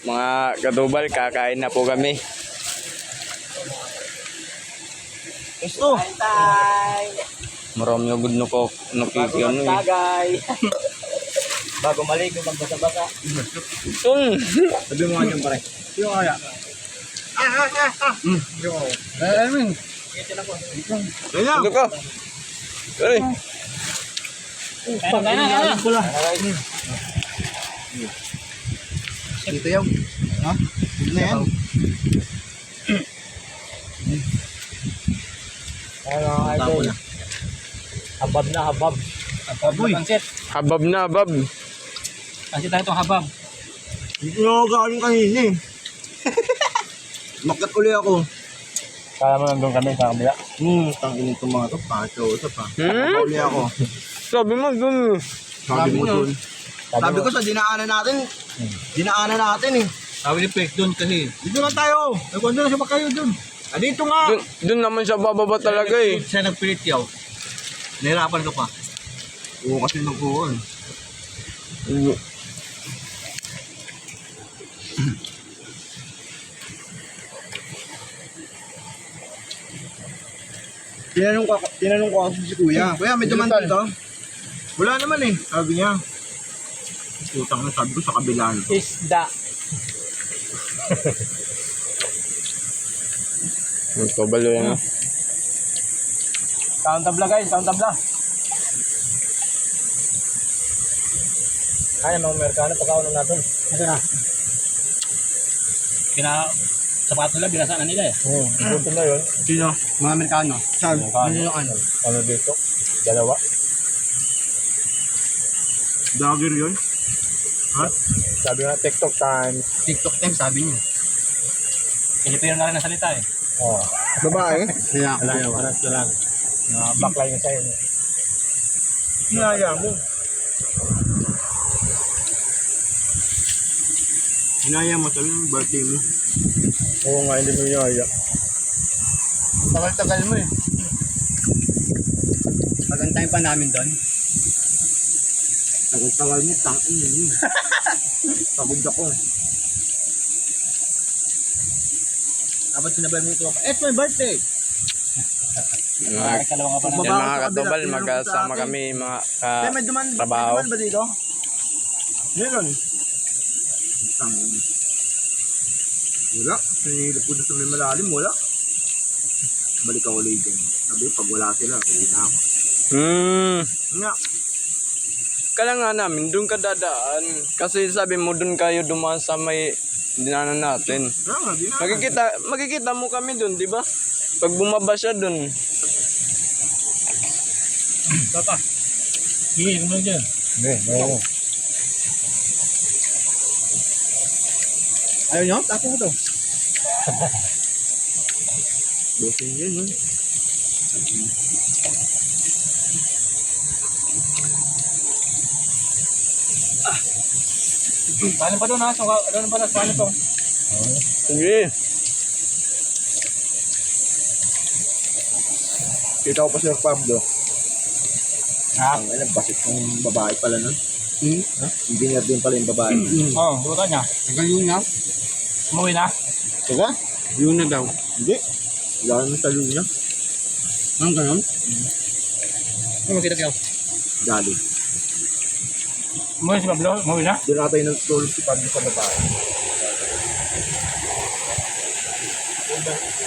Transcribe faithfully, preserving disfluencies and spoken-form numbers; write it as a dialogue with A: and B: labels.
A: Mga kadubal, kakain na po kami.
B: Gusto. Tay.
A: Marami yung good no ko. Nakikiyan eh.
B: Tagay. Bago maligo, magbasa-basa.
A: Sun!
B: Sabi mo nga dyan pare. Yung kaya. Ah, ah, ah, ah. Hmm. Yung ako. Eh, ano yun? Itin ako. Ganyan.
A: Ito ka. Ay.
B: Kaya na, kaya na. Pula. Dito yung. Ha? Dito na yan. Ano, idol. Habab na, habab. Habab na pansit.
A: Habab na, habab.
B: Pansit tayo itong habab.
C: Hindi ako galing kanina eh. Makat uli ako.
B: Kala mo nandun kami sa kabila.
C: Hmm, tangin itong mga to. Pacho, usap ha.
A: Hmm?
C: Makat uli ako.
A: Sabi mo dun.
C: Sabi mo dun.
B: Sabi
C: Sabi
B: mo.
C: ko sa dinaanan natin. Dinaanan natin eh.
B: Sabi ni Pek doon kasi.
C: Dito na tayo.
B: Nagwanda na siya ba kayo doon?
C: Ah, dito nga.
A: Dun, dun naman siya bababa talaga eh.
B: Siya nagpilit yaw. Nahirapan ka pa.
C: Oo kasi nag-uwan. Tinanong ko, tinanong ko kasi si kuya. Kuya, may duman dito? Wala naman eh. Sabi niya. Utang na sabi ko sa kabila.
B: Isda.
A: Ito balo yan. ah.
B: Kaon tabla guys, kaon tabla. Kaya mga Amerikano, pagkaon natin. Ito na. Kina sapato nila, binasaan na nila eh. Oo, punto na yun.
C: Sino?
B: Mga Amerikano.
C: Saan?
B: Amerikano.
C: Ano yung ano?
B: Ano dito? Dalawa.
C: Dagger yun? Ha?
B: Sabi nga TikTok time. TikTok time sabi niya. Pilipino na rin ang salita eh. Oo.
C: Babae? Kaya ako.
B: Wala, wala, wala. Uh, backline na sa'yo.
C: Hinaya mo. Hinaya mo, sabi mo birthday mo.
B: Oo nga, hindi mo hinaya. Tagal-tagal mo eh. Magantayin pa namin doon.
C: Tagal-tagal mo, tangin yun. Pagod ako.
B: Dapat sinabay mo ito. It's my birthday!
A: Mga,
B: Kalawang ka pa
A: yan
B: na.
A: mga katubal, magkasama kami mga
C: Eh, may duman,
A: ka, trabaho.
C: may duman ba dito? Meron. Tangin. Wala. Sinilip ko doon sa may malalim, wala. Balik ako ulit dyan. Sabi, pag wala sila, uwi na ako.
A: Hmm.
C: Nga.
A: Kala nga namin, dun ka dadaan. Kasi sabi mo, dun kayo dumaan sa may dinanan natin.
C: Kaya nga, di na.
A: Makikita, makikita mo kami dun, di ba? Pag bumaba siya dun.
B: Papa. Hindi, ano dyan? Hindi, ayaw.
C: Ayaw nyo? Tapo ko to. Bosin yun, yun.
B: Paano pa doon ha? So, ano pa na? Paano to?
A: Sige.
C: Kita ko pa si Pablo.
B: Ha?
C: Ang alam, basit ng babae pala nun.
B: Hmm?
C: Ha? Engineer din pala yung babae.
B: Oo, oh, buta niya.
C: Hanggang yun na.
B: Umuwi na.
C: Diba? Yun na daw. Hindi. Wala naman sa yun niya. Ang ganon?
B: Ano makita kayo?
C: Dali.
B: Umuwi si Pablo? Umuwi na?
C: Doon natin nagtulog si Pablo sa babae.